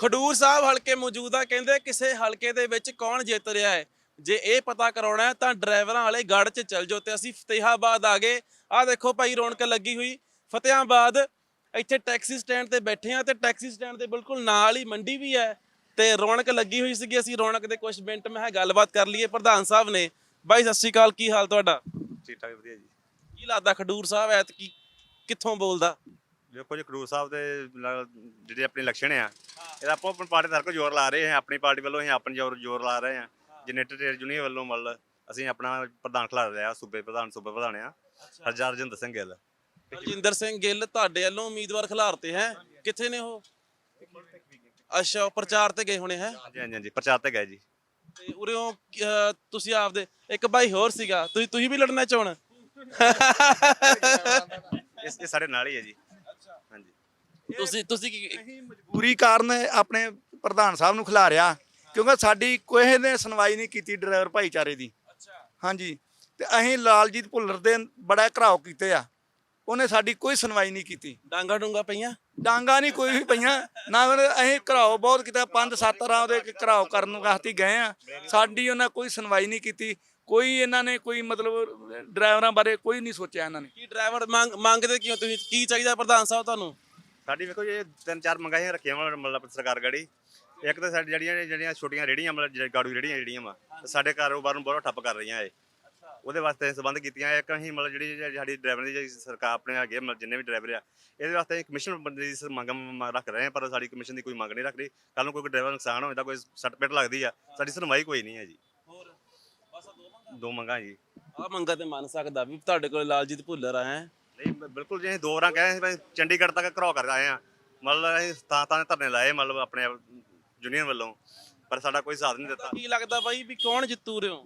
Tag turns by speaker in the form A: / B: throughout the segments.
A: ਖਡੂਰ ਸਾਹਿਬ ਹਲਕੇ ਮੌਜੂਦਾ ਕਹਿੰਦੇ ਕਿਸੇ ਹਲਕੇ ਦੇ ਵਿੱਚ ਕੌਣ ਜਿੱਤ ਰਿਹਾ ਹੈ। ਜੇ ਇਹ ਪਤਾ ਕਰਾਉਣਾ ਹੈ ਤਾਂ ਡਰਾਈਵਰਾਂ ਵਾਲੇ ਗੜ 'ਚ ਚੱਲ ਜਾਓ। ਤੇ ਅਸੀਂ ਫਤਿਹਾਬਾਦ ਆ ਗਏ। ਆਹ ਦੇਖੋ ਭਾਈ ਰੌਣਕ ਲੱਗੀ ਹੋਈ ਫਤਿਹਾਬਾਦ। ਇੱਥੇ ਟੈਕਸੀ ਸਟੈਂਡ ਤੇ ਬੈਠੇ ਆ ਤੇ ਟੈਕਸੀ ਸਟੈਂਡ ਦੇ ਬਿਲਕੁਲ ਨਾਲ ਹੀ ਮੰਡੀ ਵੀ ਹੈ ਤੇ ਰੌਣਕ ਲੱਗੀ ਹੋਈ ਸੀਗੀ। ਅਸੀਂ ਰੌਣਕ ਦੇ ਕੁਝ ਮਿੰਟ ਮੈਂ ਗੱਲਬਾਤ ਕਰ ਲਈਏ। ਪ੍ਰਧਾਨ ਸਾਹਿਬ ਨੇ। ਬਾਈ ਸਤਿ ਸ਼੍ਰੀ ਅਕਾਲ, ਕੀ ਹਾਲ ਤੁਹਾਡਾ?
B: ਠੀਕ ਠਾਕ ਵਧੀਆ ਜੀ।
A: ਕੀ ਲੱਗਦਾ ਖਡੂਰ ਸਾਹਿਬ ਐਤਕੀ ਕਿੱਥੋਂ ਬੋਲਦਾ?
B: ਦੇਖੋ ਜੀ ਖਡੂਰ ਸਾਹਿਬ ਦੇ ਜਿਹੜੇ ਆਪਣੇ ਇਲੈਕਸ਼ਨ ਆ ਇਹਦਾ ਆਪੋ ਆਪਣੀ ਪਾਰਟੀ ਦਾ ਜ਼ੋਰ ਲਾ ਰਹੇ ਹਾਂ। ਆਪਣੀ ਪਾਰਟੀ ਵੱਲੋਂ ਅਸੀਂ ਆਪਣੀ ਜ਼ੋਰ ਲਾ ਰਹੇ ਹਾਂ। ਜਨਰੇਟਰ ਟ੍ਰੇਡ ਯੂਨੀਅਨ ਵੱਲੋਂ ਮਤਲਬ ਅਸੀਂ ਆਪਣਾ ਪ੍ਰਧਾਨ ਖਿਲਾਰ ਰਿਹਾ ਸੂਬੇ ਪ੍ਰਧਾਨ ਆ ਹਰਜਿੰਦਰ ਸਿੰਘ ਗਿੱਲ।
A: ਹਰਜਿੰਦਰ ਸਿੰਘ ਗਿੱਲ ਤੁਹਾਡੇ ਵੱਲੋਂ ਉਮੀਦਵਾਰ ਖਿਲਾਰਤੇ ਹੈ, ਕਿੱਥੇ ਨੇ ਉਹ? ਅੱਛਾ, ਉਹ ਪ੍ਰਚਾਰ ਤੇ ਗਏ ਹੋਣੇ ਹੈ।
B: ਹਾਂਜੀ ਹਾਂਜੀ ਹਾਂਜੀ ਪ੍ਰਚਾਰ ਤੇ ਗਏ ਜੀ।
A: ਤੇ ਉਰਿਓਂ ਤੁਸੀਂ ਆਪਦੇ ਇੱਕ ਭਾਈ ਹੋਰ ਸੀਗਾ, ਤੁਸੀਂ ਵੀ ਲੜਨਾ ਚਾਹਣ?
B: ਇਹ ਸਾਡੇ ਨਾਲ ਹੀ ਹੈ ਜੀ।
A: ਹਾਂਜੀ, ਤੁਸੀਂ ਕੀ
C: ਅਸੀਂ ਮਜਬੂਰੀ ਕਾਰਨ ਆਪਣੇ ਪ੍ਰਧਾਨ ਸਾਹਿਬ ਨੂੰ ਖਿਲਾਰਿਆ ਕਿਉਂਕਿ ਸਾਡੀ ਕਿਸੇ ਨੇ ਸੁਣਵਾਈ ਨਹੀਂ ਕੀਤੀ ਡਰਾਈਵਰ ਭਾਈਚਾਰੇ ਦੀ। ਹਾਂਜੀ, ਤੇ ਅਸੀਂ ਲਾਲਜੀਤ ਭੁੱਲਰ ਦੇ ਬੜਾ ਘਰਾਓ ਕੀਤੇ ਆ, ਉਹਨੇ ਸਾਡੀ ਕੋਈ ਸੁਣਵਾਈ ਨਹੀਂ ਕੀਤੀ।
A: ਡਾਂਗਾ ਡੂੰਗਾ ਪਈਆਂ?
C: ਡਾਂਗਾ ਨਹੀਂ ਕੋਈ ਵੀ ਪਈਆਂ ਨਾ। ਅਸੀਂ ਘਰਾਓ ਬਹੁਤ ਕੀਤਾ, 5-7 ਰਾਂ ਦੇ ਘਰਾਓ ਕਰਨ ਵਾਸਤੇ ਗਏ ਆ, ਸਾਡੀ ਉਹਨਾਂ ਕੋਈ ਸੁਣਵਾਈ ਨਹੀਂ ਕੀਤੀ। ਕੋਈ ਇਹਨਾਂ ਨੇ ਕੋਈ ਮਤਲਬ ਡਰਾਈਵਰਾਂ ਬਾਰੇ ਕੋਈ ਨਹੀਂ ਸੋਚਿਆ ਇਹਨਾਂ ਨੇ।
A: ਕੀ ਡਰਾਈਵਰ ਮੰਗਦੇ ਕਿਉਂ ਤੁਸੀਂ? ਕੀ ਚਾਹੀਦਾ ਪ੍ਰਧਾਨ ਸਾਹਿਬ ਤੁਹਾਨੂੰ?
B: ਸਾਡੀ ਵੇਖੋ ਜੀ 3-4 ਮੰਗਾਈਆਂ ਰੱਖੀਆਂ ਵਾ ਮਤਲਬ ਸਰਕਾਰ ਗੜੀ। ਇੱਕ ਤਾਂ ਸਾਡੀ ਜਿਹੜੀਆਂ ਛੋਟੀਆਂ ਰੇਹੜੀਆਂ ਮਤਲਬ ਗਾੜੂ ਰੇਹੜੀਆਂ ਜਿਹੜੀਆਂ ਵਾ ਸਾਡੇ ਕਾਰੋਬਾਰ ਨੂੰ ਬਹੁਤ ਠੱਪ ਕਰ ਰਹੀਆਂ ਇਹ, ਉਹਦੇ ਵਾਸਤੇ ਸੰਬੰਧ ਕੀਤੀਆਂ। ਇੱਕ ਅਸੀਂ ਮਤਲਬ ਜਿਹੜੀ ਸਾਡੀ ਡਰਾਈਵਰ ਦੀ ਸਰਕਾਰ ਆਪਣੇ ਹੈਗੇ ਮਤਲਬ ਜਿੰਨੇ ਵੀ ਡਰਾਈਵਰ ਆ ਇਹਦੇ ਵਾਸਤੇ ਕਮਿਸ਼ਨ ਬੰਦੇ ਦੀ ਮੰਗ ਰੱਖ ਰਹੇ ਆ, ਪਰ ਸਾਡੀ ਕਮਿਸ਼ਨ ਦੀ ਕੋਈ ਮੰਗ ਨਹੀਂ ਰੱਖ ਰਹੀ। ਕੱਲ ਨੂੰ ਕੋਈ ਡਰਾਈਵਰ ਨੁਕਸਾਨ ਹੋ ਜਾਂਦਾ, ਕੋਈ ਸੱਟ ਪਿੱਟ ਲੱਗਦੀ ਆ, ਸਾਡੀ ਸੁਣਵਾਈ ਕੋਈ ਨਹੀਂ ਹੈ ਜੀ।
A: ਹੋਰ ਬਸ
B: ਦੋ ਮੰਗਾਂ ਜੀ।
A: ਆਹ ਮੰਗਾ ਤੇ ਮੰਨ ਸਕਦਾ ਵੀ ਤੁਹਾਡੇ ਕੋਲ ਲਾਲਜੀਤ ਭੁੱਲਰ ਆ ਹੈ।
B: ਨਹੀਂ ਬਿਲਕੁਲ ਜੀ, ਅਸੀਂ 2 ਵਾਰਾਂ ਕਹੇ ਸੀ ਚੰਡੀਗੜ੍ਹ ਤੱਕ ਘਰੋ ਕਰ ਆਏ ਆ, ਮਤਲਬ ਅਸੀਂ ਤਾਂ ਧਰਨੇ ਲਾਏ ਮਤਲਬ ਆਪਣੇ ਯੂਨੀਅਨ ਵੱਲੋਂ, ਪਰ ਸਾਡਾ ਕੋਈ ਸਾਥ ਨਹੀਂ ਦਿੱਤਾ।
A: ਕੀ ਲੱਗਦਾ ਬਾਈ ਵੀ ਕੌਣ ਜਿੱਤੂ ਰਿਓ?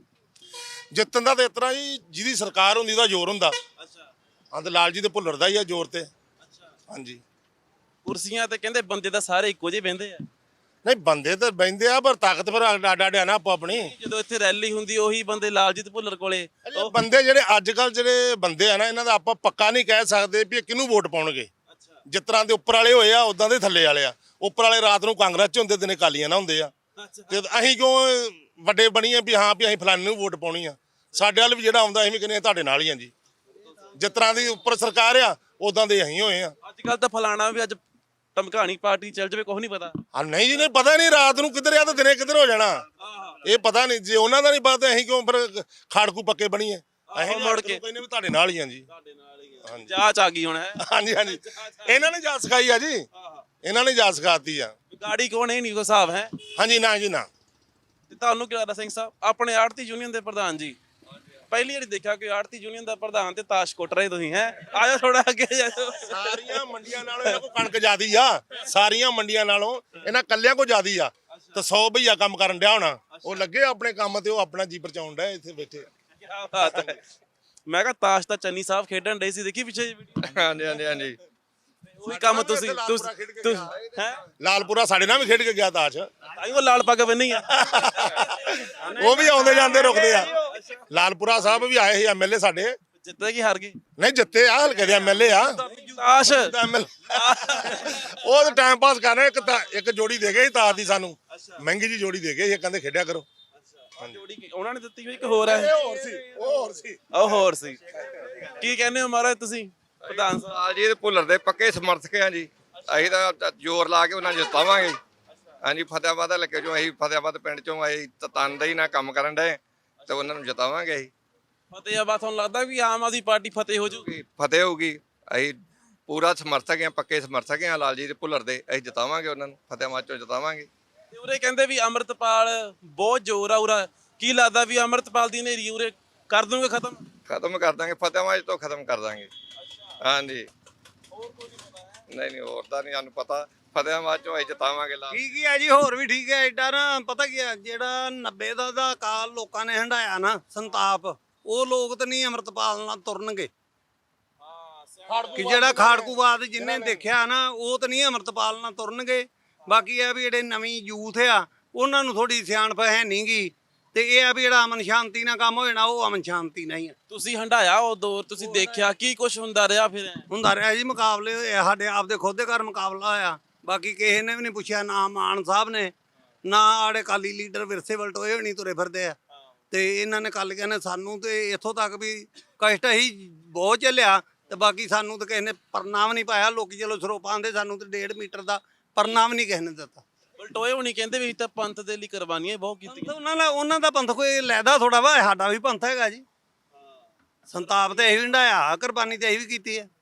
D: ਜਿੱਤਣ ਦਾ ਤੇ ਇਸ ਤਰ੍ਹਾਂ ਜੀ ਜਿਹਦੀ ਸਰਕਾਰ ਹੁੰਦੀ ਉਹਦਾ ਜ਼ੋਰ ਹੁੰਦਾ।
A: ਅੱਛਾ
D: ਅੰਦ ਲਾਲ ਜੀ ਦੇ ਭੁੱਲਰ ਦਾ ਹੀ ਆ ਜ਼ੋਰ ਤੇ।
A: ਅੱਛਾ,
D: ਹਾਂਜੀ,
A: ਕੁਰਸੀਆਂ ਤੇ ਕਹਿੰਦੇ ਬੰਦੇ ਤਾਂ ਸਾਰੇ ਇੱਕੋ ਜਿਹੇ ਬਹਿੰਦੇ ਆ।
D: ਨਹੀਂ ਬੰਦੇ ਤਾਂ ਬਹਿੰਦੇ ਆ ਪਰ ਤਾਕਤ ਫਿਰ ਆਡਾ ਨਾ ਆਪੋ ਆਪਣੀ।
A: ਜਦੋਂ ਇੱਥੇ ਰੈਲੀ ਹੁੰਦੀ ਉਹੀ ਬੰਦੇ ਲਾਲਜੀਤ ਭੁੱਲਰ ਕੋਲੇ।
D: ਇਹ ਬੰਦੇ ਜਿਹੜੇ ਅੱਜ ਕੱਲ ਜਿਹੜੇ ਬੰਦੇ ਆ ਨਾ ਇਹਨਾਂ ਦਾ ਆਪਾਂ ਪੱਕਾ ਨਹੀਂ ਕਹਿ ਸਕਦੇ ਵੀ ਇਹ ਕਿਹਨੂੰ ਵੋਟ ਪਾਉਣਗੇ।
A: ਅੱਛਾ
D: ਜਿਸ ਤਰ੍ਹਾਂ ਦੇ ਉੱਪਰ ਵਾਲੇ ਹੋਏ ਆ ਉਦਾਂ ਦੇ ਥੱਲੇ ਵਾਲੇ ਆ। ਉੱਪਰ ਵਾਲੇ ਰਾਤ ਨੂੰ ਕਾਂਗਰਸ ਚ ਹੁੰਦੇ, ਦਿਨੇ ਕਾਲੀਆਂ ਨਾ ਹੁੰਦੇ ਆ। ਤੇ ਅਸੀਂ ਕਿਉਂ ਵੱਡੇ ਬਣੀਏ ਵੀ ਹਾਂ ਵੀ ਅਸੀਂ ਫਲਾਣੇ ਨੂੰ ਵੋਟ ਪਾਉਣੀ ਆ? ਸਾਡੇ ਵੱਲ ਵੀ ਜਿਹੜਾ ਆਉਂਦਾ ਅਸੀਂ ਵੀ ਕਹਿੰਦੇ ਤੁਹਾਡੇ ਨਾਲ ਹੀ ਆ ਜੀ। ਜਿਸ ਤਰ੍ਹਾਂ ਦੀ ਉੱਪਰ ਸਰਕਾਰ ਆ ਉਦਾਂ ਦੇ ਅਸੀਂ ਹੋਏ ਆ।
A: ਅੱਜ ਕੱਲ ਤਾਂ ਫਲਾਣਾ ਵੀ ਅੱਜ ਧਮਕਾਣੀ ਪਾਰਟੀ ਚੱਲ ਜਾਵੇ ਕੁਝ ਨਹੀਂ ਪਤਾ।
D: ਹਾਂ ਨਹੀਂ ਜੀ, ਨਹੀਂ ਪਤਾ ਨਹੀਂ ਰਾਤ ਨੂੰ ਕਿੱਧਰ ਆ ਤੇ ਦਿਨੇ ਕਿੱਧਰ ਹੋ ਜਾਣਾ, ਇਹ ਪਤਾ ਨਹੀਂ। ਜੇ ਉਹਨਾਂ ਦਾ ਨਹੀਂ ਪਤਾ ਅਸੀਂ ਕਿਉਂ ਫਿਰ ਖਾੜਕੂ ਪੱਕੇ ਬਣੀਏ? ਅਸੀਂ
A: ਮੁੜ ਕੇ
D: ਕਹਿੰਦੇ ਵੀ ਤੁਹਾਡੇ ਨਾਲ ਹੀ ਆ ਜੀ।
A: ਤੁਹਾਡੇ ਨਾਲ ਹੀ ਆ। ਜਾਂਚ ਆ ਗਈ ਹੁਣ ਹੈ।
D: ਹਾਂਜੀ ਹਾਂਜੀ, ਇਹਨਾਂ ਨੇ ਜਾ ਸਿਖਾਈ ਆ ਜੀ, ਇਹਨਾਂ ਨੇ ਜਾ ਸਿਖਾਤੀ ਆ।
A: ਗਾੜੀ ਕੋਣ ਇਹ ਨਹੀਂ ਕੋਈ ਹਿਸਾਬ ਹੈ।
D: ਹਾਂਜੀ ਨਾ ਜੀ ਨਾ।
A: ਤੇ ਤੁਹਾਨੂੰ ਕੀ ਲੱਗਦਾ ਸਿੰਘ ਸਾਹਿਬ ਆਪਣੇ ਆੜਤੀ ਯੂਨੀਅਨ ਦੇ ਪ੍ਰਧਾਨ ਜੀ? ਪਹਿਲੀ ਵਾਰੀ ਦੇਖਿਆ ਕਿ ਆੜਤੀ ਯੂਨੀਅਨ ਦਾ ਪ੍ਰਧਾਨ ਤੇ ਤਾਸ਼ ਕੁੱਟ ਰਹੇ ਤੁਸੀਂ ਹੈ। ਆਜੋ ਥੋੜਾ ਅੱਗੇ ਜਾਓ।
D: ਸਾਰੀਆਂ ਮੰਡੀਆਂ ਨਾਲੋਂ ਇਹਨਾਂ ਕੋਲ ਕਣਕ ਜ਼ਿਆਦੀ ਆ, ਸਾਰੀਆਂ ਮੰਡੀਆਂ ਨਾਲੋਂ ਇਹਨਾਂ ਕੱਲਿਆਂ ਕੋ ਜ਼ਿਆਦੀ ਆ। ਤੇ 100 ਭਈਆ ਕੰਮ ਕਰਨ ਡਿਆ ਹੋਣਾ, ਉਹ ਲੱਗੇ ਆਪਣੇ ਕੰਮ ਤੇ ਉਹ ਆਪਣਾ ਜੀ ਬਚਾਉਣ ਡਿਆ ਇੱਥੇ ਬੈਠੇ।
A: ਕੀ ਬਾਤ ਹੈ। ਮੈਂ ਕਿਹਾ ਤਾਸ਼ ਤਾਂ ਚੰਨੀ ਸਾਹਿਬ ਖੇਡਣ ਡੇ ਸੀ, ਦੇਖੀ ਪਿੱਛੇ ਵੀਡੀਓ?
C: ਹਾਂਜੀ ਹਾਂਜੀ ਹਾਂਜੀ, ਉਹੀ
A: ਕੰਮ ਤੁਸੀਂ ਹੈ।
D: ਲਾਲਪੁਰਾ ਸਾਡੇ ਨਾਲ ਵੀ ਖੇਡ ਕੇ ਗਿਆ ਤਾਸ਼।
A: ਉਹ ਲਾਲ ਪੱਗ ਬੰਨੀ ਆ।
D: ਉਹ ਵੀ ਆਉਂਦੇ ਜਾਂਦੇ ਰੁਕਦੇ ਆ। ਲਾਲਪੁਰਾ ਸਾਹਿਬ ਵੀ ਆਏ ਸੀ ਐਮਐਲਏ ਸਾਡੇ।
A: ਜਿੱਤੇ ਕੀ ਹਾਰ ਗਏ?
D: ਨਹੀਂ ਜਿੱਤੇ ਆ, ਹਲਕੇ ਦੇ ਐਮਐਲਏ ਆ।
A: ਤਾਸ਼
D: ਉਹ ਤਾਂ ਟਾਈਮ ਪਾਸ ਕਰ ਰਹੇ। ਇੱਕ ਜੋੜੀ ਦੇ ਗਏ ਸੀ ਤਾਰ ਦੀ, ਸਾਨੂੰ ਮਹਿੰਗੀ ਜੀ ਜੋੜੀ ਦੇ ਗਏ ਸੀ, ਕਹਿੰਦੇ ਖੇਡਿਆ ਕਰੋ।
A: ਜੋੜੀ ਉਹਨਾਂ ਨੇ ਦਿੱਤੀ ਹੋਈ ਇੱਕ ਹੋਰ ਹੈ। ਉਹ ਹੋਰ ਸੀ। ਕੀ ਕਹਿੰਦੇ ਹੋ ਮਹਾਰਾਜ ਤੁਸੀਂ ਪ੍ਰਧਾਨ ਸਾਹਿਬ?
E: ਲਾਲਜੀਤ ਭੁੱਲਰ ਦੇ ਪੱਕੇ ਸਮਰਥਕ ਆ ਜੀ। ਅਸੀਂ ਤਾਂ ਜ਼ੋਰ ਲਾ ਕੇ ਉਹਨਾਂ ਨੂੰ ਜਿਤਾਵਾਂਗੇ। ਹਾਂਜੀ, ਫਤਿਹਾਬਾਦ ਹਲਕੇ ਚੋਂ ਅਸੀਂ ਫਤਿਹਾਬਾਦ ਪਿੰਡ ਚੋਂ ਅਸੀਂ ਤਨਦੇਹੀ ਨਾਲ ਕੰਮ ਕਰਨ ਡਏ ਤੇ ਉਹਨਾਂ ਨੂੰ ਜਿਤਾਵਾਂਗੇ। ਅਸੀਂ
A: ਫਤਿਹਾਬਾਦ ਤੁਹਾਨੂੰ ਲੱਗਦਾ ਵੀ ਆਮ ਆਦਮੀ ਪਾਰਟੀ ਫਤਿਹ ਹੋ ਜੂਗੀ?
E: ਫਤਿਹ ਹੋਊਗੀ। ਅਸੀਂ ਪੂਰਾ ਸਮਰਥਕ ਆ, ਪੱਕੇ ਸਮਰਥਕ ਆ ਲਾਲਜੀਤ ਭੁੱਲਰ ਦੇ। ਅਸੀਂ ਜਿਤਾਵਾਂਗੇ ਉਹਨਾਂ ਨੂੰ, ਫਤਿਹਾਬਾਦ ਚੋਂ ਜਿਤਾਵਾਂਗੇ।
A: ਤੇ ਉਰੇ ਕਹਿੰਦੇ ਵੀ ਅੰਮ੍ਰਿਤਪਾਲ ਬਹੁਤ ਜ਼ੋਰ ਆ ਉਰਾ। ਕੀ ਲੱਗਦਾ ਵੀ ਅੰਮ੍ਰਿਤਪਾਲ ਦੀ ਹਨੇਰੀ ਉਰੇ ਕਰ ਦੂੰਗੇ ਖਤਮ?
E: ਖਤਮ ਕਰ ਦਾਂਗੇ, ਫਤਿਹਾਬਾਦ ਤੋਂ ਖਤਮ ਕਰ ਦਾਂਗੇ। ਹਾਂਜੀ, ਨਹੀਂ ਹੋਰ ਤਾਂ ਨਹੀਂ ਸਾਨੂੰ ਪਤਾ। ਫਤਿਹਾਬਾਦ ਚੋਂ ਅਸੀਂ ਜਿਤਾਵਾਂਗੇ।
F: ਠੀਕ ਹੀ ਆ ਜੀ, ਹੋਰ ਵੀ ਠੀਕ ਹੈ। ਐਡਾ ਨਾ ਪਤਾ ਕੀ ਆ, ਜਿਹੜਾ 90 ਦਾ ਕਾਲ ਲੋਕਾਂ ਨੇ ਹੰਡਾਇਆ ਨਾ ਸੰਤਾਪ, ਉਹ ਲੋਕ ਤਾਂ ਨਹੀਂ ਅੰਮ੍ਰਿਤਪਾਲ ਨਾਲ ਤੁਰਨਗੇ। ਕਿ ਜਿਹੜਾ ਖਾੜਕੂਵਾਦ ਜਿੰਨੇ ਦੇਖਿਆ ਨਾ, ਉਹ ਤਾਂ ਨਹੀਂ ਅੰਮ੍ਰਿਤਪਾਲ ਨਾਲ ਤੁਰਨਗੇ। ਬਾਕੀ ਇਹ ਵੀ ਜਿਹੜੇ ਨਵੀਂ ਯੂਥ ਆ ਉਹਨਾਂ ਨੂੰ ਥੋੜੀ ਸਿਆਣਪ ਹੈ ਨਹੀਂ ਗੀ। ਤੇ ਇਹ ਆ ਵੀ ਜਿਹੜਾ ਅਮਨ ਸ਼ਾਂਤੀ ਨਾਲ ਕੰਮ ਹੋ ਜਾਣਾ, ਉਹ ਅਮਨ ਸ਼ਾਂਤੀ ਨਹੀਂ ਆ।
A: ਤੁਸੀਂ ਹੰਡਾਇਆ ਉਹ ਦੌਰ, ਤੁਸੀਂ ਦੇਖਿਆ ਕੀ ਕੁਝ ਹੁੰਦਾ ਰਿਹਾ? ਫਿਰ
F: ਹੁੰਦਾ ਰਿਹਾ ਜੀ, ਮੁਕਾਬਲੇ ਹੋਏ ਸਾਡੇ ਆਪਦੇ ਖੁਦ ਦੇ ਘਰ ਮੁਕਾਬਲਾ ਹੋਇਆ। ਬਾਕੀ ਕਿਸੇ ਨੇ ਵੀ ਨਹੀਂ ਪੁੱਛਿਆ, ਨਾ ਮਾਨ ਸਾਹਿਬ ਨੇ, ਨਾ ਆੜੇ ਅਕਾਲੀ ਲੀਡਰ ਵਿਰਸੇ ਵਲਟੋਏ ਹੋਣੀ ਤੁਰੇ ਫਿਰਦੇ ਆ। ਤੇ ਇਹਨਾਂ ਨੇ ਅਕਾਲੀਆਂ ਨੇ ਸਾਨੂੰ ਤੇ ਇੱਥੋਂ ਤੱਕ ਵੀ ਕਸ਼ਟ ਹੀ ਬਹੁਤ ਝੱਲਿਆ, ਤੇ ਬਾਕੀ ਸਾਨੂੰ ਤਾਂ ਕਿਸੇ ਨੇ ਪਰਨਾ ਵੀ ਨਹੀਂ ਪਾਇਆ। ਲੋਕੀ ਚਲੋ ਸਰੋਪਾਂ ਆਂਦੇ, ਸਾਨੂੰ ਤੇ 1.5 ਮੀਟਰ ਦਾ ਪਰਨਾ ਵੀ ਨਹੀਂ ਕਿਸੇ ਨੇ ਦਿੱਤਾ।
A: ਬਲਟੋਏ ਹੋਣੀ ਕਹਿੰਦੇ ਵੀ ਅਸੀਂ ਤਾਂ ਪੰਥ ਦੇ ਲਈ ਕੁਰਬਾਨੀਆਂ ਬਹੁਤ ਕੀਤੀਆਂ।
F: ਉਹਨਾਂ ਦਾ ਪੰਥ ਕੋਈ ਲੈਦਾ ਥੋੜਾ ਵਾ, ਸਾਡਾ ਵੀ ਪੰਥ ਹੈਗਾ ਜੀ। ਸੰਤਾਪ ਤੇ ਅਸੀਂ ਵੀ ਹੰਢਾਇਆ, ਕੁਰਬਾਨੀ ਤੇ ਅਸੀਂ ਵੀ ਕੀਤੀ ਹੈ।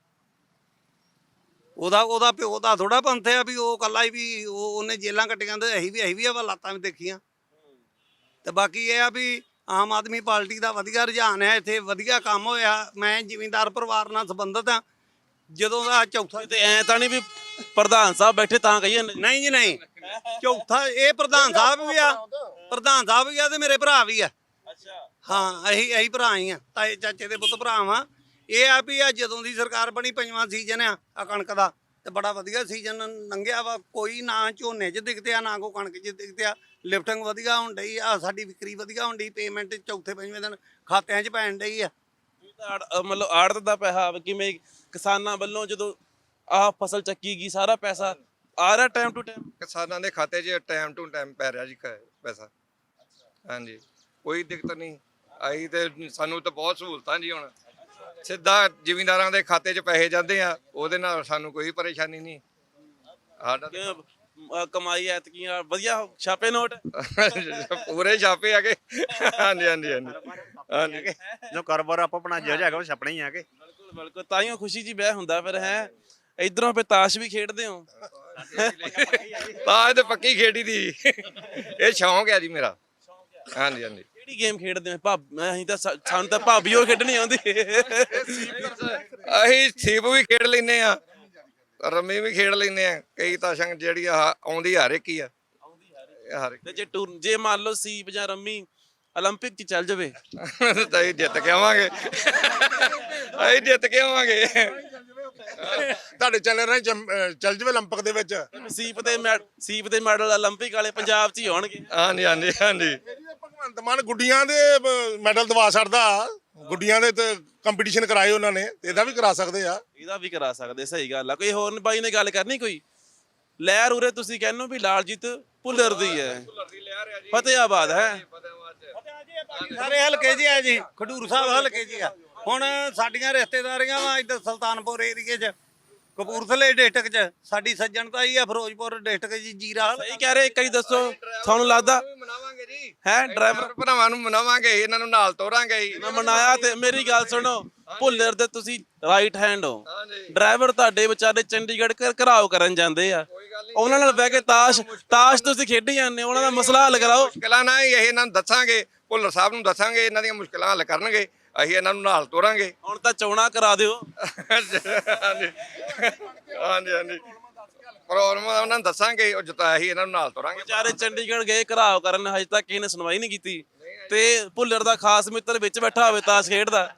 F: ਉਹਦਾ ਪਿਓ ਦਾ ਥੋੜਾ ਪੰਥ ਆ ਵੀ ਉਹ ਕੱਲਾ ਹੀ ਵੀ ਉਹਨੇ ਜੇਲਾਂ ਕੱਟੀਆਂ ਤੇ ਅਸੀਂ ਵੀ ਹਾਲਾਤਾਂ ਵੀ ਦੇਖੀਆਂ। ਤੇ ਬਾਕੀ ਇਹ ਆ ਵੀ ਆਮ ਆਦਮੀ ਪਾਰਟੀ ਦਾ ਵਧੀਆ ਰੁਝਾਨ ਹੈ, ਇੱਥੇ ਵਧੀਆ ਕੰਮ ਹੋਇਆ। ਮੈਂ ਜ਼ਿਮੀਂਦਾਰ ਪਰਿਵਾਰ ਨਾਲ ਸੰਬੰਧਿਤ ਹਾਂ। ਜਦੋਂ ਦਾ ਚੌਥਾ
A: ਤੇ ਐ ਤਾਂ ਨਹੀਂ ਵੀ ਪ੍ਰਧਾਨ ਸਾਹਿਬ ਬੈਠੇ ਤਾਂ ਕਹੀਏ
F: ਨਹੀਂ ਜੀ, ਨਹੀਂ, ਚੌਥਾ ਇਹ ਪ੍ਰਧਾਨ ਸਾਹਿਬ ਵੀ ਆ ਤੇ ਮੇਰੇ ਭਰਾ ਵੀ ਆ। ਹਾਂ, ਅਸੀਂ ਭਰਾ ਹੀ ਆ, ਤਾਏ ਚਾਚੇ ਦੇ ਪੁੱਤ ਭਰਾ ਵਾਂ। ਇਹ ਆ ਵੀ ਆ ਜਦੋਂ ਦੀ ਸਰਕਾਰ ਬਣੀ 5ਵਾਂ ਸੀਜ਼ਨ ਆ ਕਣਕ ਦਾ, ਤੇ ਬੜਾ ਵਧੀਆ ਸੀਜ਼ਨ ਲੰਘਿਆ ਵਾ। ਕੋਈ ਨਾ ਝੋਨੇ 'ਚ ਦਿਖਦੇ ਆ, ਨਾ ਕੋ ਕਣਕ 'ਚ ਦਿਖਦੇ ਆ। ਲਿਫਟਿੰਗ ਵਧੀਆ ਹੋਣ ਡਈ ਆ, ਸਾਡੀ ਵਿਕਰੀ ਵਧੀਆ ਹੋਣ ਡਈ, ਪੇਮੈਂਟ ਚੌਥੇ 5ਵੇਂ ਦਿਨ ਖਾਤਿਆਂ 'ਚ ਪੈਣ ਡਈ ਆ।
A: ਮਤਲਬ ਆੜਤ ਦਾ ਪੈਸਾ ਕਿਵੇਂ ਕਿਸਾਨਾਂ ਵੱਲੋਂ ਜਦੋਂ ਆਹ ਫਸਲ ਚੱਕੀ ਗਈ ਸਾਰਾ ਪੈਸਾ ਆ ਰਿਹਾ ਟਾਈਮ ਟੂ ਟਾਈਮ
E: ਕਿਸਾਨਾਂ ਦੇ ਖਾਤੇ 'ਚ ਟਾਈਮ ਟੂ ਟਾਈਮ ਪੈ ਰਿਹਾ ਜੀ ਪੈਸਾ। ਹਾਂਜੀ, ਕੋਈ ਦਿੱਕਤ ਨਹੀਂ ਆਈ ਤੇ ਸਾਨੂੰ ਤਾਂ ਬਹੁਤ ਸਹੂਲਤਾਂ ਜੀ। ਹੁਣ ਸਿੱਧਾ ਜ਼ਿਮੀਂਦਾਰਾਂ ਦੇ ਖਾਤੇ 'ਚ ਪੈਸੇ ਜਾਂਦੇ ਆ, ਉਹਦੇ ਨਾਲ ਸਾਨੂੰ ਕੋਈ ਪਰੇਸ਼ਾਨੀ ਨਹੀਂ। ਸਾਡਾ
A: ਕਮਾਈ ਐਤਕੀ ਵਧੀਆ ਛਾਪੇ ਨੋਟ
E: ਪੂਰੇ ਛਾਪੇ ਆ ਗਏ। ਹਾਂਜੀ ਹਾਂਜੀ ਹਾਂਜੀ ਹਾਂਜੀ,
B: ਜੋ ਕਾਰੋਬਾਰ ਆਪਾਂ ਆਪਣਾ ਜਿਹੜਾ ਹੈਗਾ ਉਹ ਛਪਣਾ ਹੀ ਆ ਕੇ।
A: ਬਿਲਕੁਲ ਬਿਲਕੁਲ, ਤਾਈਓ ਖੁਸ਼ੀ ਜੀ ਬਹਿ ਹੁੰਦਾ ਫਿਰ ਹੈ। ਇਧਰੋਂ ਫਿਰ ਤਾਸ਼ ਵੀ ਖੇਡਦੇ ਹੋ?
E: ਤਾਂ ਇਹ ਪੱਕੀ ਖੇਡੀ ਦੀ, ਇਹ ਸ਼ੌਂਕ ਹੈ ਜੀ ਮੇਰਾ। ਹਾਂਜੀ ਹਾਂਜੀ।
A: ਕਿਹੜੀ ਗੇਮ ਖੇਡਦੇ ਹੋ? ਅਸੀਂ ਤਾਂ ਸਾਨੂੰ ਤਾਂ ਭਾਬੀਓ ਖੇਡਣੀ ਆਉਂਦੀ।
E: ਅਸੀਂ ਸੀਪ ਵੀ ਖੇਡ ਲੈਨੇ ਆ, ਰੰਮੀ ਵੀ ਖੇਡ ਲੈਨੇ ਆ। ਕਈ ਤਾਂ ਸੰਗ ਜਿਹੜੀ ਆਉਂਦੀ ਹਰ ਇੱਕ ਹੀ ਆ।
A: ਤੇ ਜੇ ਮੰਨ ਲਓ ਸੀਪ ਜਾਂ ਰੰਮੀ 올림픽 'ਚ ਚੱਲ ਜਾਵੇ
E: ਤਾਂ ਅਸੀਂ ਜਿੱਤ ਕੇ ਆਵਾਂਗੇ। ਅਸੀਂ ਜਿੱਤ ਕੇ ਆਵਾਂਗੇ।
D: ਤੁਹਾਡੇ ਚੈਨਲ ਰਾਹੀਂ ਚੱਲ ਜਵੇ 올림픽 ਦੇ ਵਿੱਚ।
A: ਸੀਪ ਦੇ ਮੈਡਲ 올림픽 ਵਾਲੇ ਪੰਜਾਬ 'ਚ ਹੀ ਹੋਣਗੇ।
E: ਹਾਂਜੀ ਹਾਂਜੀ ਹਾਂਜੀ।
D: ਭਗਵੰਤ ਮਾਨ ਗੁੱਡੀਆਂ ਦੇ ਮੈਡਲ ਦਵਾ ਛੱਡਦਾ, ਗੁੱਡੀਆਂ ਦੇ ਤੇ ਕੰਪੀਟੀਸ਼ਨ ਕਰਾਏ ਉਹਨਾਂ ਨੇ, ਤੇ ਇਹਦਾ ਵੀ ਕਰਾ ਸਕਦੇ ਆ।
A: ਇਹਦਾ ਵੀ ਕਰਾ ਸਕਦੇ, ਸਹੀ ਗੱਲ ਆ। ਕੋਈ ਹੋਰ ਬਾਈ ਨੇ ਗੱਲ ਕਰਨੀ? ਕੋਈ ਲਹਿਰ ਉਰੇ ਤੁਸੀਂ ਕਹਿੰਦੇ ਹੋ ਵੀ ਲਾਲਜੀਤ ਭੁੱਲਰ ਦੀ ਹੈ, ਫਤਿਆਬਾਦ ਹੈ।
F: ਸਾਰੇ ਹਲਕੇ ਜੀ ਆ ਜੀ, ਖਡੂਰ ਸਾਹਿਬ ਹਲਕੇ ਜੀ ਆ। ਹੁਣ ਸਾਡੀਆਂ ਰਿਸ਼ਤੇਦਾਰੀਆਂ ਵਾ ਇੱਧਰ ਸੁਲਤਾਨਪੁਰ ਏਰੀਏ 'ਚ, ਕਪੂਰਥਲੇ ਡਿਸਟ੍ਰਿਕਟ 'ਚ ਸਾਡੀ ਸੱਜਣਤਾ ਹੀ ਆ। ਫਿਰੋਜ਼ਪੁਰ ਡਿਸਟ੍ਰਿਕਟ ਜੀ, ਜੀਰਾ।
A: ਸਹੀ ਕਹਿ ਰਹੇ। ਇੱਕ ਵਾਰੀ ਦੱਸੋ, ਤੁਹਾਨੂੰ ਲੱਗਦਾ
E: ਮਨਾਵਾਂਗੇ ਜੀ
A: ਹੈ ਡਰਾਈਵਰ
E: ਭਰਾਵਾਂ ਨੂੰ ਮਨਾਵਾਂਗੇ, ਇਹਨਾਂ ਨੂੰ ਨਾਲ ਤੋਰਾਂਗੇ ਜੀ।
A: ਮੈਂ ਮਨਾਇਆ ਤੇ ਮੇਰੀ ਗੱਲ ਸੁਣੋ, ਭੁੱਲਰ ਦੇ ਤੁਸੀਂ ਰਾਈਟ ਹੈਂਡ ਹੋ।
E: ਹਾਂਜੀ।
A: ਡਰਾਈਵਰ ਤੁਹਾਡੇ ਵਿਚਾਰੇ ਚੰਡੀਗੜ੍ਹ ਘਰਾਓ ਕਰਨ ਜਾਂਦੇ ਆ, ਉਹਨਾਂ ਨਾਲ ਬਹਿ ਕੇ ਤਾਸ਼ ਤੁਸੀਂ ਖੇਡੀ ਜਾਂਦੇ ਹੋ। ਉਹਨਾਂ ਦਾ ਮਸਲਾ ਹੱਲ ਕਰਾਓ।
E: ਮੁਸ਼ਕਲਾਂ ਨਾ ਇਹ ਇਹਨਾਂ ਨੂੰ ਦੱਸਾਂਗੇ, ਭੁੱਲਰ ਸਾਹਿਬ ਨੂੰ ਦੱਸਾਂਗੇ, ਇਹਨਾਂ ਦੀਆਂ ਮੁਸ਼ਕਲਾਂ ਹੱਲ ਕਰਨਗੇ। ਅਸੀਂ ਇਹਨਾਂ ਨੂੰ ਨਾਲ ਤੋਰਾਂਗੇ।
A: ਹੁਣ ਤਾਂ ਚੋਣਾਂ ਕਰਾ ਦਿਓ।
E: ਹਾਂਜੀ ਹਾਂਜੀ ਹਾਂਜੀ, ਪ੍ਰੋਬਲਮ ਉਹਨਾਂ ਨੂੰ ਦੱਸਾਂਗੇ, ਉਹ ਜਿੱਤਾ ਅਸੀਂ ਇਹਨਾਂ ਨੂੰ ਨਾਲ ਤੋਰਾਂਗੇ।
A: ਵਿਚਾਰੇ ਚੰਡੀਗੜ੍ਹ ਗਏ ਘਰਾਓ ਕਰਨ, ਹਜੇ ਤੱਕ ਕਿਸੇ ਨੇ ਸੁਣਵਾਈ ਨਹੀਂ ਕੀਤੀ। ਤੇ ਭੁੱਲਰ ਦਾ ਖਾਸ ਮਿੱਤਰ ਵਿੱਚ ਬੈਠਾ ਹੋਵੇ ਤਾਸ਼ ਖੇਡਦਾ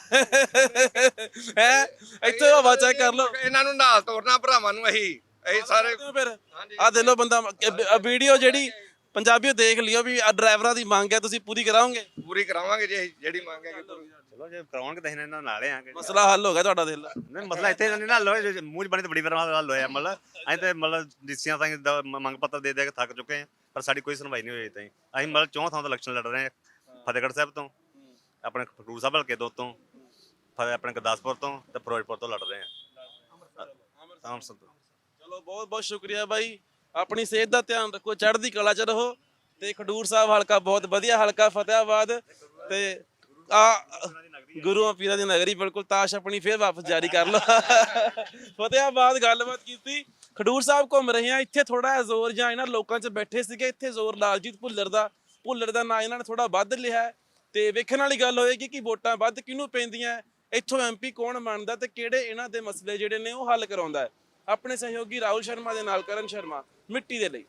A: ਹੈ। ਇੱਥੇ ਹਵਾ ਚੈੱਕ ਕਰ ਲਓ।
E: ਇਹਨਾਂ ਨੂੰ ਨਾਲ ਤੋਰਨਾ ਭਰਾਵਾਂ ਨੂੰ। ਅਸੀਂ ਸਾਰੇ
A: ਫਿਰ ਆ ਦੇ ਲੋ ਬੰਦਾ ਵੀਡੀਓ ਜਿਹੜੀ ਪੰਜਾਬੀਓ ਦੇਖ ਲਿਓ ਵੀ ਆ ਡਰਾਈਵਰਾਂ ਦੀ ਮੰਗ ਹੈ, ਤੁਸੀਂ ਪੂਰੀ ਕਰਾਓਗੇ?
E: ਪੂਰੀ ਕਰਾਵਾਂਗੇ ਜੀ, ਅਸੀਂ ਜਿਹੜੀ ਮੰਗ ਹੈਗੀ।
B: ਚਲੋ ਜੇ ਕਰਾਉਣਗੇ ਤਾਂ ਇਹਨਾਂ ਨਾਲ ਆ ਕੇ।
A: ਮਸਲਾ ਹੱਲ ਹੋ ਗਿਆ ਤੁਹਾਡਾ? ਦਿਲ
B: ਨਹੀਂ, ਮਸਲਾ ਇੱਥੇ ਨਹੀਂ ਨਾ ਹੱਲ ਹੋਇਆ, ਮੂੰਹ 'ਚ ਬਣੀ ਤਾਂ ਬੜੀ ਵਾਰ ਹੱਲ ਹੋਇਆ। ਮਤਲਬ ਅਸੀਂ ਤਾਂ ਮਤਲਬ ਡੀਸੀਆਂ ਤਾਂ ਮੰਗ ਪੱਤਰ ਦੇ ਕੇ ਥੱਕ ਚੁੱਕੇ ਹਾਂ, ਪਰ ਸਾਡੀ ਕੋਈ ਸੁਣਵਾਈ ਨਹੀਂ ਹੋਈ ਤਾਈਂ। ਅਸੀਂ ਮਤਲਬ 4 ਥਾਂ ਤੋਂ ਇਲੈਕਸ਼ਨ ਲੜ ਰਹੇ ਹਾਂ, ਫਤਿਹਗੜ੍ਹ ਸਾਹਿਬ ਤੋਂ, ਆਪਣੇ ਖਡੂਰ ਸਾਹਿਬ ਹਲਕੇ ਤੋਂ, ਆਪਣੇ ਗੁਰਦਾਸਪੁਰ ਤੋਂ ਤੇ ਫਿਰੋਜ਼ਪੁਰ ਤੋਂ ਲੜ ਰਹੇ ਹਾਂ। ਅੰਮ੍ਰਿਤਸਰ ਤੋਂ।
A: ਚਲੋ ਬਹੁਤ ਬਹੁਤ ਸ਼ੁਕਰੀਆ ਬਾਈ, ਆਪਣੀ ਸਿਹਤ ਦਾ ਧਿਆਨ ਰੱਖੋ, ਚੜ੍ਹਦੀ ਕਲਾ 'ਚ ਰਹੋ। ਤੇ ਖਡੂਰ ਸਾਹਿਬ ਹਲਕਾ ਬਹੁਤ ਵਧੀਆ ਹਲਕਾ, ਫਤਿਆਬਾਦ ਤੇ ਆ ਗੁਰੂਆਂ ਪੀਰਾਂ ਦੀ ਨਗਰੀ। ਬਿਲਕੁਲ, ਤਾਸ਼ ਆਪਣੀ ਫੇਰ ਵਾਪਸ ਜਾਰੀ ਕਰ ਲਓ। ਫਤਿਆਬਾਦ ਗੱਲਬਾਤ ਕੀਤੀ, ਖਡੂਰ ਸਾਹਿਬ ਘੁੰਮ ਰਹੇ ਆ। ਇੱਥੇ ਥੋੜਾ ਜਿਹਾ ਜ਼ੋਰ ਜਾਂ ਇਹਨਾਂ ਲੋਕਾਂ 'ਚ ਬੈਠੇ ਸੀਗੇ, ਇੱਥੇ ਜ਼ੋਰ ਲਾਲਜੀਤ ਭੁੱਲਰ ਦਾ ਨਾਂ ਇਹਨਾਂ ਨੇ ਥੋੜਾ ਵੱਧ ਲਿਆ। ਤੇ ਵੇਖਣ ਵਾਲੀ ਗੱਲ ਹੋਏਗੀ ਕਿ ਵੋਟਾਂ ਵੱਧ ਕਿਹਨੂੰ ਪੈਂਦੀਆਂ, ਇੱਥੋਂ ਐਮਪੀ ਕੌਣ ਬਣਦਾ ਤੇ ਕਿਹੜੇ ਇਹਨਾਂ ਦੇ ਮਸਲੇ ਜਿਹੜੇ ਨੇ ਉਹ ਹੱਲ ਕਰਾਉਂਦਾ ਹੈ। ਆਪਣੇ ਸਹਿਯੋਗੀ ਰਾਹੁਲ ਸ਼ਰਮਾ ਦੇ ਨਾਲ ਕਰਨ ਸ਼ਰਮਾ, ਮਿੱਟੀ ਦੇ ਲਈ।